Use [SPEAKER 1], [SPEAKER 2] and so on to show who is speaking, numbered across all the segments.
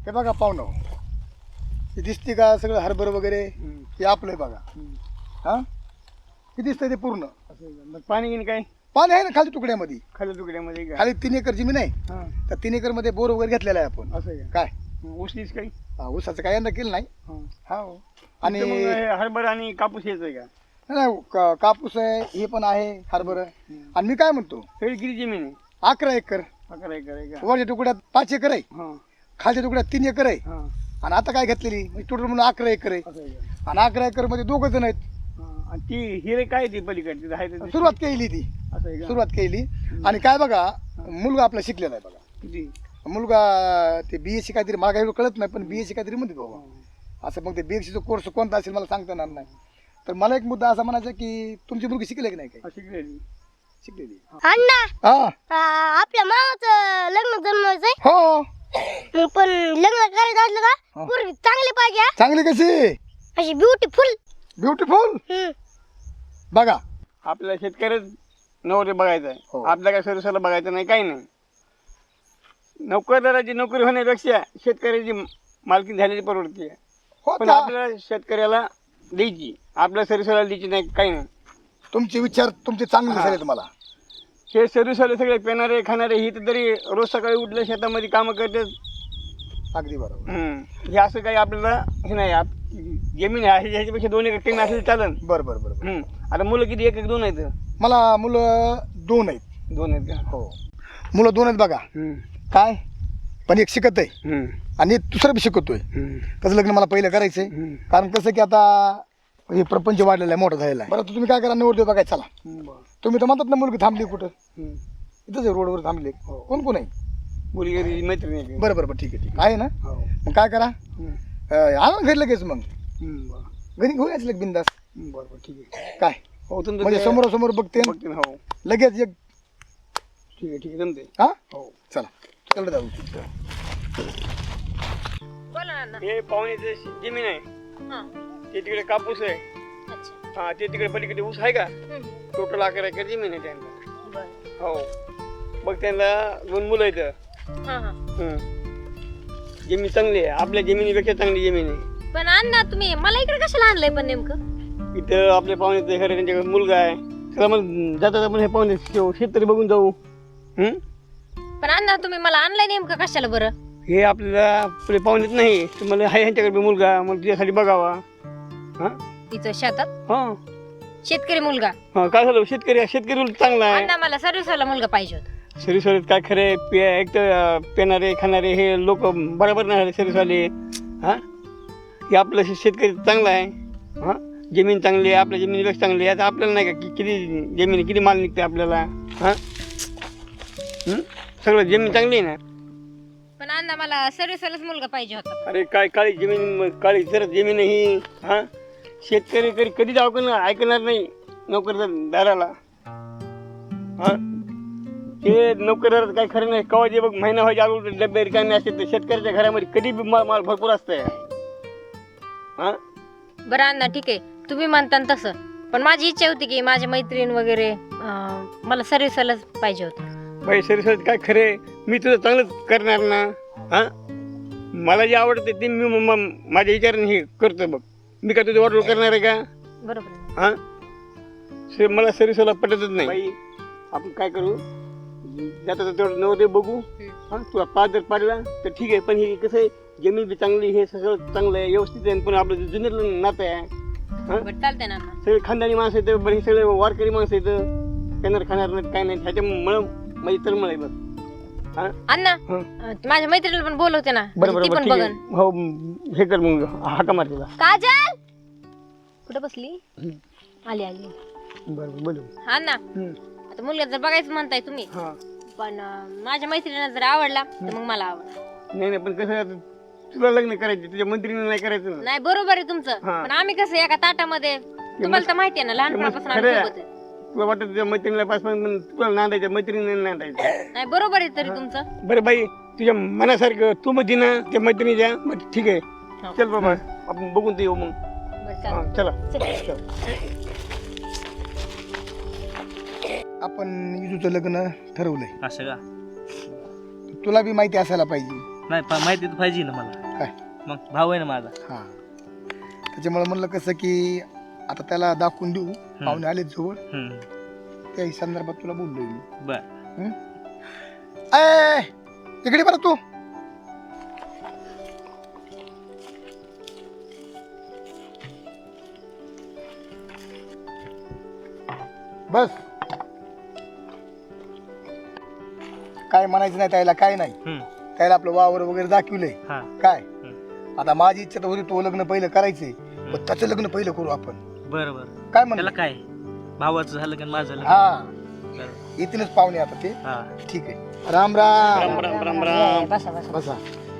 [SPEAKER 1] हे बघा पाहुणं, हे दिसते का सगळं हरभर वगैरे हे आपलं आहे बघा. हा किती दिसतंय ते पूर्ण.
[SPEAKER 2] मग पाणी घेईन काय
[SPEAKER 1] पाणी आहे ना खाली तुकड्यामध्ये.
[SPEAKER 2] खाली तुकड्यामध्ये काय
[SPEAKER 1] खाली 3 एकर जमीन आहे.
[SPEAKER 2] हा
[SPEAKER 1] त्या 3 एकर मध्ये बोर वगैरे घेतलेला आहे आपण.
[SPEAKER 2] असं आहे
[SPEAKER 1] काय
[SPEAKER 2] ऊसलीच काही
[SPEAKER 1] ऊसाचं काय यंदा केलं नाही. हा
[SPEAKER 2] आणि
[SPEAKER 1] आणि
[SPEAKER 2] हरभरा आणि कापूस हेच आहे का
[SPEAKER 1] नाही, कापूस आहे हे पण आहे हरभर. आणि मी काय म्हणतो,
[SPEAKER 2] सगळी किती जमीन आहे
[SPEAKER 1] 11 एकर
[SPEAKER 2] 11 एकर आहे का
[SPEAKER 1] वरच्या तुकड्यात 5 एकर आहे,
[SPEAKER 2] हा
[SPEAKER 1] खालच्या तुकड्यात 3 एकर आहे.
[SPEAKER 2] हा
[SPEAKER 1] आणि आता काय घेतलेली म्हणजे टोटल म्हणून 11 एकर आहे.
[SPEAKER 2] असं आहे का
[SPEAKER 1] आणि 11 एकर मध्ये 2 जण आहेत.
[SPEAKER 2] आणि ती हिरे काय ती पलीकडची आहे ते
[SPEAKER 1] सुरुवात केली ती,
[SPEAKER 2] असं आहे का
[SPEAKER 1] सुरुवात केली. आणि काय बघा, मुलगा आपला शिकलेला आहे बघा.
[SPEAKER 2] किती
[SPEAKER 1] मुलगा ते BSc काहीतरी, मला काही कळत नाही पण BSc काहीतरी म्हणते बाबा. असं मग ते BScचा कोर्स कोणता असेल मला सांगता येणार नाही. तर मला एक मुद्दा असा म्हणायचा की तुमची मुलगी शिकले की नाही काही
[SPEAKER 2] शिकलेली
[SPEAKER 1] शिकलेली.
[SPEAKER 3] अण्णा
[SPEAKER 1] हा
[SPEAKER 3] आपल्या मामाचं लग्न जमवायचंय.
[SPEAKER 1] हो
[SPEAKER 3] मग पण लग्न करायचं असलं का पोरगी चांगली पाहिजे हा.
[SPEAKER 1] चांगली कशी
[SPEAKER 3] अशी ब्युटिफुल.
[SPEAKER 1] ब्युटिफुल. बघा
[SPEAKER 2] आपल्या शेतकऱ्याच नोकरी बघायचं आहे
[SPEAKER 1] हो.
[SPEAKER 2] आपल्या काय सरसाला बघायचं नाही काही नाही नोकरदाराची नोकरी होण्यापेक्षा शेतकऱ्याची मालकी झालेली परवडते
[SPEAKER 1] हो
[SPEAKER 2] पण
[SPEAKER 1] त्या-
[SPEAKER 2] आपल्या शेतकऱ्याला द्यायची आपल्या सरसाला द्यायची नाही काही नाही
[SPEAKER 1] तुमचे विचार तुमचे चांगले झाले तुम्हाला.
[SPEAKER 2] हे सरसाले सगळे पेणारे खाणारे ही तर तरी रोज सकाळी उठल्या शेतामध्ये कामं करतात
[SPEAKER 1] अगदी बरोबर.
[SPEAKER 2] हे असं काही आपल्याला हे नाही जमीन आहे ह्याच्यापेक्षा 2 एकर कमी असेल चालन
[SPEAKER 1] बरं बरं बरं बरं.
[SPEAKER 2] आता मुलं किती 1 1 2 आहेत
[SPEAKER 1] मला मुलं 2 आहेत.
[SPEAKER 2] 2 आहेत का
[SPEAKER 1] हो मुलं 2 आहेत बघा. काय पण एक शिकत आहे आणि एक दुसरं बी शिकवतोय. त्याचं लग्न मला पहिलं करायचंय. कारण कसं की आता हे प्रपंच वाढलेला आहे, मोठा झालेला आहे. बरं तुम्ही काय करा, निवडतो बघाय चला. तुम्ही तर म्हणतात ना मुलगी थांबली कुठं, इथंच आहे रोडवर थांबली. कोण कोण आहे
[SPEAKER 2] मुलगी मैत्रिणी आहे.
[SPEAKER 1] बरं बरं बरं ठीक आहे ठीक आहे ना. मग काय करा, आणा घरी लगेच. मग घरी घेऊन यायचं लग बिंदास.
[SPEAKER 2] बरोबर ठीक आहे
[SPEAKER 1] काय
[SPEAKER 2] हो तुमचं
[SPEAKER 1] म्हणजे समोरासमोर बघते
[SPEAKER 2] हो
[SPEAKER 1] लगेच एक.
[SPEAKER 2] ठीक आहे ठीक आहे जमते
[SPEAKER 1] हा
[SPEAKER 2] हो
[SPEAKER 1] चला चल जाऊ.
[SPEAKER 3] बोला ना.
[SPEAKER 2] हे पाहुण्याचे जमीन आहे ते तिकडे कापूस आहे
[SPEAKER 3] अच्छा.
[SPEAKER 2] हा ते तिकडे पलीकडे ऊस आहे का टोटल 11 एकर जमीन आहे त्यांना हो मग त्यांना 2 मुलं आहेत. जमीन चांगली आहे आपल्या जमिनीपेक्षा चांगली जमीन आहे.
[SPEAKER 3] पण अण्णा तुम्ही मला इकडे कशाला आणलंय पण नेमकं.
[SPEAKER 2] इथं आपल्या पाहुण्याचं घर आहे त्यांच्याकडे मुलगा आहे चला मग जाता आपण हे पाहुणे शेतकरी बघून जाऊ
[SPEAKER 3] पण अण्णा तुम्ही मला आणलंय नेमकं कशाला बरं.
[SPEAKER 2] हे आपल्याला आपले पाहुणेच नाही तुम्हाला आहे ह्यांच्याकडे मुलगा मग तुझ्यासाठी बघावा हा
[SPEAKER 3] इथं शेतात
[SPEAKER 2] हा
[SPEAKER 3] शेतकरी मुलगा.
[SPEAKER 2] हा काय झालं शेतकरी चांगला आहे
[SPEAKER 3] अण्णा मला सर्व्हिसवाला मुलगा पाहिजे होता.
[SPEAKER 2] सर्विसवाले काय खरे एक तर पेणारे खाणारे हे लोक बरोबर नाही सर्विसवाले हा हे आपलं शेतकरी चांगला आहे हा जमीन चांगली आहे आपल्या जमिनीपेक्षा चांगली आहे आता आपल्याला नाही का किती जमीन किती माल निघते आपल्याला हा सगळं जमीन चांगली आहे ना.
[SPEAKER 3] पण अण्णा मला सर्व्हिसवालाच मुलगा पाहिजे होता.
[SPEAKER 2] अरे काय काळी जमीन काळी जर जमीन ही हा शेतकरी कधीच ऐकणार नाही नोकरदाराला हा हे नोकरदार काय खरं नाही कवा जे बघ महिना व्हायच्या अगोदर डबे रिकामे असते तर शेतकऱ्याच्या घरामध्ये कधी बी माल भरपूर असतंय हा
[SPEAKER 3] बरं अण्णा ठीक आहे तुम्ही म्हणता तसं पण माझी इच्छा होती की माझे मैत्रीण वगैरे मला सर्व्हिसवालाच पाहिजे होतं.
[SPEAKER 2] बाई सर्विस काय खरे मी तुझं चांगलंच करणार ना हा मला जे आवडते ते मी माझ्या विचाराने हे करतो बघ मी काय तुझं ऑर्डर करणार आहे का
[SPEAKER 3] बरोबर.
[SPEAKER 2] हा मला सर्विसवाला पटतच नाही बाई आपण काय करू जाता तेवढं नवदे बघू हा तुला 5 जर पाडला तर ठीक आहे पण हे कसं आहे जमीन बी चांगली हे सगळं चांगलं आहे व्यवस्थित आहे पण आपलं जुन्यातलं नातं आहे हा
[SPEAKER 3] बरं चालतंय ना अण्णा.
[SPEAKER 2] सगळे खानदानी माणसं आहेत बरं हे सगळे वारकरी माणसं आहेत खाणार खाणार नाही काय नाही ह्याच्यामुळं माझी तळमळ आहे बघ हा
[SPEAKER 3] अण्णा माझ्या मैत्रिणीला पण बोलवते ना
[SPEAKER 2] बरोबर
[SPEAKER 3] ती पण
[SPEAKER 2] ठीक आहे
[SPEAKER 3] बघन.
[SPEAKER 2] हो हे कर मग हाका मार तिला
[SPEAKER 3] काजल कुठे बसली आली आली.
[SPEAKER 2] बरोबर बोलू
[SPEAKER 3] अण्णा आता मुलगा जर बघायचं म्हणताय तुम्ही
[SPEAKER 2] हा
[SPEAKER 3] पण माझ्या मैत्रिणीला जर आवडला तर मग मला आवडला.
[SPEAKER 2] नाही पण कसं आहे, तुला लग्न करायचं तुझ्या मंत्रीने नाही करायचं ना
[SPEAKER 3] नाही बरोबर आहे तुमचं
[SPEAKER 2] हा.
[SPEAKER 3] पण आम्ही कसं एका ताटामध्ये तुम्हाला तर माहिती आहे ना लहानपणापासून आम्ही
[SPEAKER 2] खरं आहे.
[SPEAKER 3] सोबत आहे.
[SPEAKER 2] तुला वाटत तुझ्या मैत्रिणीला पास पण तुला नांदायचं मैत्रिणीने नांदायचं
[SPEAKER 3] नाही बरोबर आहे तरी तुमचं.
[SPEAKER 2] बरं बाई तुझ्या मनासारखं तू म्हणती ना त्या मैत्रिणीच्या मग ठीक आहे चल बाबा आपण बघून ते येऊ मग
[SPEAKER 3] बरं
[SPEAKER 2] हा,
[SPEAKER 3] चालेल.
[SPEAKER 2] चला
[SPEAKER 3] चल.
[SPEAKER 1] आपण इजूचं लग्न ठरवलंय
[SPEAKER 4] असं का
[SPEAKER 1] तुला बी माहिती असायला पाहिजे.
[SPEAKER 4] नाही माहिती तर पाहिजे ना मला.
[SPEAKER 1] काय
[SPEAKER 4] मग भाऊ आहे ना माझा.
[SPEAKER 1] हां त्याच्यामुळे म्हणलं कसं की आता त्याला दाखवून देऊ, पाहुणे आले जवळ,
[SPEAKER 4] हम्म.
[SPEAKER 1] त्या संदर्भात तुला बोललोय मी.
[SPEAKER 4] बर.
[SPEAKER 1] ए इकडे बरं तू. बस काय म्हणायचं नाही त्याला, काय नाही.
[SPEAKER 4] हम्म.
[SPEAKER 1] त्याला आपलं वावर वगैरे दाखवलंय.
[SPEAKER 4] हा.
[SPEAKER 1] काय आता माझी इच्छा तर होती तो लग्न पहिलं करायचंय, पण त्याचं लग्न पहिलं करू आपण.
[SPEAKER 4] बरं बरं.
[SPEAKER 1] काय
[SPEAKER 4] त्याला
[SPEAKER 1] म्हणलं?
[SPEAKER 4] काय भावाचं झालं का माझं झालं?
[SPEAKER 1] हा
[SPEAKER 4] बरं.
[SPEAKER 1] येतीलच पाहुणे आता ते.
[SPEAKER 4] हा.
[SPEAKER 1] ठीक आहे. राम राम.
[SPEAKER 2] राम राम राम राम.
[SPEAKER 3] बसा बसा.
[SPEAKER 1] बसा.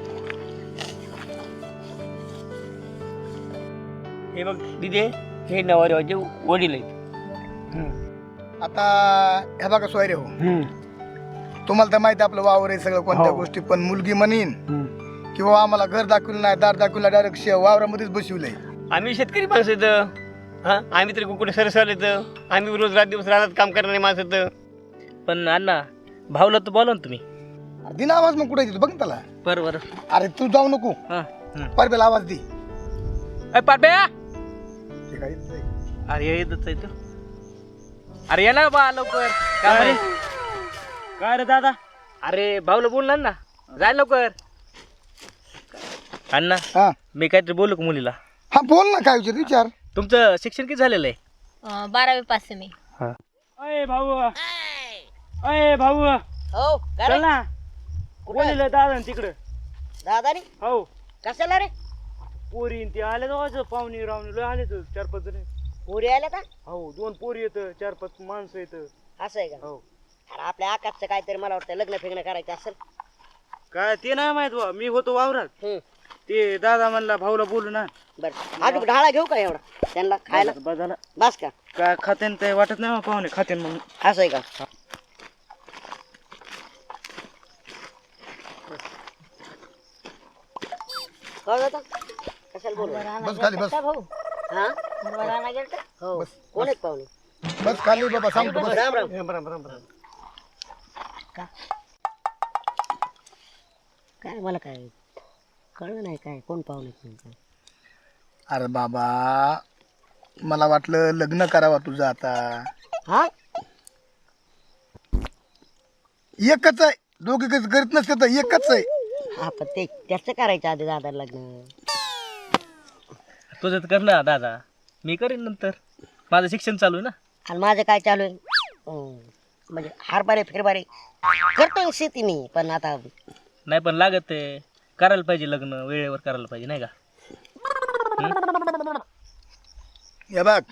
[SPEAKER 2] हे बघ दिदे, हे नवरदेवाचे वडील आहेत.
[SPEAKER 1] आता हे बघा सोयरे हो, तुम्हाला तर माहिती आहे आपलं वावर आहे सगळं कोणत्या गोष्टी, पण मुलगी म्हणीन किंवा आम्हाला घर दाखवलं नाही, दार दाखवलं, डायरेक्ट वावरामध्येच बसवलंय.
[SPEAKER 2] आम्ही शेतकरी माणसं येतं. हा आम्ही तरी कुठे सरसाल येतं. आम्ही रोज रात दिवस राहतात काम करणारे माणसं येतं.
[SPEAKER 4] पण अण्णा भाऊला तर बोला ना तुम्ही.
[SPEAKER 1] अरे दिन आवाज मग कुठे येतो बघ ना त्याला.
[SPEAKER 4] बरं बरं.
[SPEAKER 1] अरे तू जाऊ नको,
[SPEAKER 4] हा.
[SPEAKER 1] परबेला आवाज दे.
[SPEAKER 4] पाट्या.
[SPEAKER 1] ते काय येत नाही.
[SPEAKER 4] अरे येतच आहे तो. अरे ये ना बा लवकर. काय काय रे दादा? अरे भाऊला बोलणार ना, जाय लवकर. अण्णा
[SPEAKER 1] हा
[SPEAKER 4] मी काहीतरी बोलू का मुलीला?
[SPEAKER 1] हा बोल ना, काय विचार विचार.
[SPEAKER 4] तुमचं शिक्षण किती झालेलं आहे?
[SPEAKER 3] 12वी पास आहे मी.
[SPEAKER 4] अय भाऊ, अय भाऊ,
[SPEAKER 5] हो
[SPEAKER 4] चल ना. बोललेलं दादा तिकडं.
[SPEAKER 5] दादा रे
[SPEAKER 4] हो
[SPEAKER 5] कशाला रे?
[SPEAKER 4] पोरी ते आले तर पाहुणे रावणे आले तर 4-5 जण.
[SPEAKER 5] पुरी आल्या का?
[SPEAKER 4] हो 2 पोरी येत, 4-5 माणसं येत.
[SPEAKER 5] असं आहे का?
[SPEAKER 4] हो.
[SPEAKER 5] अरे आपल्या आकाशचं काहीतरी मला वाटतं लग्न फिग्न करायचं असेल.
[SPEAKER 4] काय ते नाही माहित बा, मी होतो वावरात.
[SPEAKER 5] हम्म.
[SPEAKER 4] ते दादा म्हणला भाऊला बोलू ना.
[SPEAKER 5] बरं अजून ढाळा घेऊ का एवढा त्यांना खायला?
[SPEAKER 4] बस झालं.
[SPEAKER 5] बस का?
[SPEAKER 4] काय खातेन ते वाटत नाही पाहुणे खातेन म्हणून.
[SPEAKER 5] असं आहे का? हो दादा कशाला बोलू?
[SPEAKER 1] बस खाली बस.
[SPEAKER 3] भाऊ
[SPEAKER 5] हा
[SPEAKER 3] राणा गेलता.
[SPEAKER 5] हो कोण आहेत पाहुणे?
[SPEAKER 1] बस खाली बाबा, सांगतो बस.
[SPEAKER 5] राम राम.
[SPEAKER 2] राम राम राम राम.
[SPEAKER 5] काय मला काय कळलं नाही काय कोण पाहुणे आहेत?
[SPEAKER 1] अरे बाबा मला वाटलं लग्न करावं तुझं आता.
[SPEAKER 5] हा
[SPEAKER 1] एकच आहे, दोघे करीत नसते तर एकच आहे.
[SPEAKER 5] हा पण ते त्याचं करायचं आधी दादा लग्न.
[SPEAKER 4] तुझं तर कर ना दादा, मी करीन नंतर. माझं शिक्षण चालू आहे ना.
[SPEAKER 5] आणि माझं काय चालू आहे? म्हणजे हारबारे फिरबारे करतोय शेती मी, पण आता
[SPEAKER 4] नाही पण लागत आहे, करायला पाहिजे लग्न, वेळेवर करायला पाहिजे नाही का?
[SPEAKER 1] हे बघ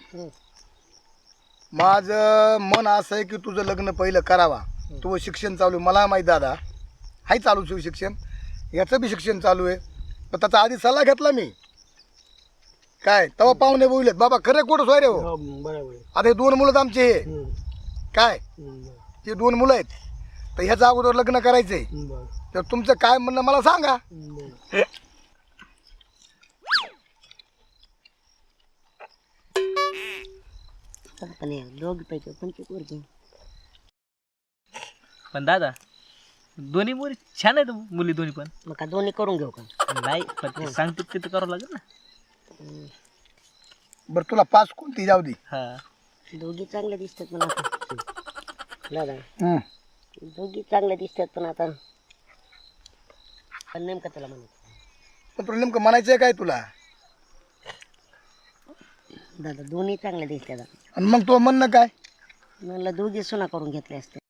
[SPEAKER 1] माझं मन असं आहे की तुझं लग्न पहिलं करावा. तुझं शिक्षण चालू आहे, मला माहीत दादा हाय चालू तुझं शिक्षण, याचं बी शिक्षण चालू आहे, पण त्याचा आधी सल्ला घेतला मी. काय तेव्हा पाहुणे बोललेत बाबा खरं कुठं सोय रे हो. आता हे 2 मुलं आमचे हे काय ते 2 मुलं आहेत, तर ह्याचं अगोदर लग्न करायचंय. तर तुमचं काय म्हणणं मला सांगा.
[SPEAKER 5] पण दोघी पैकी कोणती पोरगी?
[SPEAKER 4] पण दादा दोन्ही मुली छान आहेत, मुली दोन्ही पण.
[SPEAKER 5] मग का दोन्ही करून घेऊ का?
[SPEAKER 4] नाही पण ते सांगतो तिथं करावं लागेल ना.
[SPEAKER 1] बरं तुला 5 कोणती जाऊ दे.
[SPEAKER 4] हा
[SPEAKER 5] दोघी चांगल्या दिसतात पण आता दादा
[SPEAKER 1] हम्म.
[SPEAKER 5] दोघी चांगल्या दिसतात पण आता पण नेमकं त्याला म्हणत
[SPEAKER 1] पण तुला नेमकं म्हणायचं आहे काय तुला?
[SPEAKER 5] दादा दोन्ही चांगल्या दिसतात.
[SPEAKER 1] आणि मग तो म्हणणं काय?
[SPEAKER 5] म्हणलं दोघी सुना करून घेतले असते.